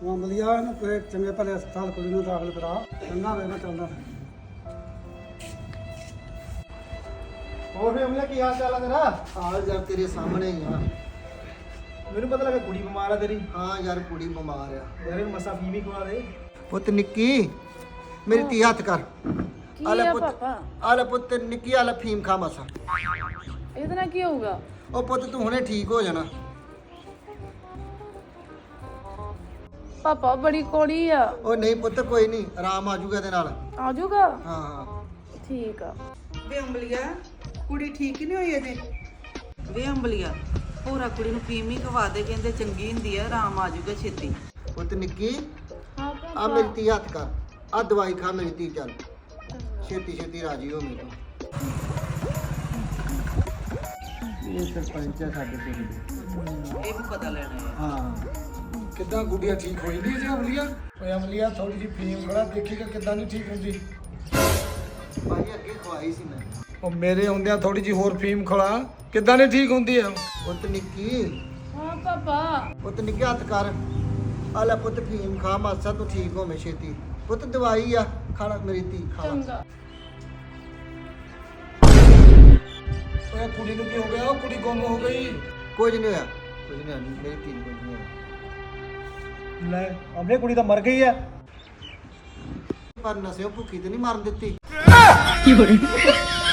ਮਾਮਲੀਆ ਨੂੰ ਕੋਈ ਚੰਗੇ ਭਲੇ ਹਸਪਤਾਲ ਕੁੜੀ ਨੂੰ ਦਾਖਲ ਕਰਾ। ਚੰਗਾ ਵੇ ਮੈਂ ਚੱਲਦਾ। ਹੋਰ ਫੇਮਲਾ ਕੀ ਹਾਲ ਚਾਲ ਆ ਤੇਰਾ? ਹਾਲ ਯਾਰ ਤੇਰੇ ਸਾਹਮਣੇ ਹੀ ਆ। ਮੈਨੂੰ ਪਤਾ ਲੱਗਾ ਕੁੜੀ ਬਿਮਾਰ ਆ ਤੇਰੀ। ਹਾਂ ਯਾਰ ਕੁੜੀ ਬਿਮਾਰ ਆ। ਯਾਰ ਇਹਨੂੰ ਮਸਾ ਫੀਮ ਹੀ ਖਵਾ ਦੇ। ਪੁੱਤ ਨਿੱਕੀ ਮੇਰੀ ਧੀ ਹੱਥ ਕਰ। ਕੀ ਆ ਲੈ ਆ ਪੁੱਤ, ਪਾਪਾ? ਆ ਲੈ ਪੁੱਤ ਨਿੱਕੀ, ਆ ਲੈ ਫੀਮ ਖਾ ਮਸਾ। ਇਹਦੇ ਨਾਲ ਕੀ ਹੋਊਗਾ? ਉਹ ਪੁੱਤ ਤੂੰ ਹੁਣੇ ਠੀਕ ਹੋ ਜਾਣਾ। ਪਾਪਾ ਬੜੀ ਕੋੜੀ ਆ। ਉਹ ਨਹੀਂ ਪੁੱਤ ਕੋਈ ਨਹੀਂ, ਆਰਾਮ ਆ ਜਾਊਗਾ ਇਹਦੇ ਨਾਲ। ਆ ਜਾਊਗਾ? ਹਾਂ ਹਾਂ ਠੀਕ ਆ। ਵੇ ਅੰਬਲੀਆ ਕੁੜੀ ਠੀਕ ਹੀ ਨਹੀਂ ਹੋਈ ਅਜੇ। ਵੇ ਅੰਬਲੀਆ ਪੂਰਾ ਕੁੜੀ ਨੂੰ ਫੀਮ ਹੀ ਖਵਾ ਦੇ, ਕਹਿੰਦੇ ਚੰਗੀ ਹੁੰਦੀ ਆ, ਆਰਾਮ ਆ ਜਾਊਗਾ ਛੇਤੀ। ਪੁੱਤ ਨਿੱਕੀ ਹਾਂ ਆ ਪਾਪਾ। ਮੇਰੀ ਧੀ ਹੱਥ ਕਰ। ਆ ਦਵਾਈ ਖਾ ਮੇਰੀ ਧੀ, ਚੱਲ ਛੇਤੀ ਛੇਤੀ ਰਾਜੀ ਹੋ ਮੇਰੇ ਤੋਂ। ਇਹ ਸਰਪੰਚ ਆ ਸਾਡੇ ਪਿੰਡ ਦੇ। ਇਹ ਵੀ ਪਤਾ ਲੈਣਾ ਹੈ। ਹਾਂ ਕਿੱਦਾਂ ਗੁੱਡੀਆਂ ਠੀਕ ਹੋਈ ਨਹੀਂ ਜੀ ਅਮਲੀਆ? ਓਏ ਅਮਲੀਆ ਥੋੜੀ ਜਿਹੀ ਫੀਮ ਖੜਾ ਦੇਖੀਗਾ ਕਿੱਦਾਂ ਨਹੀਂ ਠੀਕ ਹੁੰਦੀ। ਭਾਈ ਅੱਗੇ ਖਵਾਈ ਸੀ ਮੈਂ। ਉਹ ਮੇਰੇ ਆਉਂਦਿਆਂ ਥੋੜੀ ਜਿਹੀ ਹੋਰ ਫੀਮ ਖੜਾ ਕਿੱਦਾਂ ਨਹੀਂ ਠੀਕ ਹੁੰਦੀ ਆ? ਪੁੱਤ ਨਿੱਕੀ, ਹਾਂ ਪਾਪਾ। ਪੁੱਤ ਨਿੱਕੀ ਹੱਥ ਕਰ। ਆ ਲੈ ਪੁੱਤ ਫੀਮ ਖਾ ਮਾਸਾ, ਤੂੰ ਠੀਕ ਹੋਵੇਂ ਛੇਤੀ। ਪੁੱਤ ਦਵਾਈ ਆ, ਖਾਣਾ ਮੇਰੀ ਧੀ ਖਾ। ਚੰਗਾ। ਓਏ ਕੁੜੀ ਨੂੰ ਕੀ ਹੋ ਗਿਆ? ਉਹ ਕੁੜੀ ਗੁੰਮ ਹੋ ਗਈ। ਕੁਝ ਨਹੀਂ ਹੋਇਆ, ਕੁਝ ਨਹੀਂ ਹੋਇਆ, ਮੇਰੀ ਧੀ ਨੂੰ ਕੁਝ ਨਹੀਂ ਹੋਇਆ। ਲੈ ਆਪਣੇ ਕੁੜੀ ਤਾਂ ਮਰ ਗਈ ਆ। ਪਰ ਨਸਿਓ ਭੁੱਖੀ ਤੇ ਨਹੀਂ ਮਰਨ ਦਿੱਤੀ।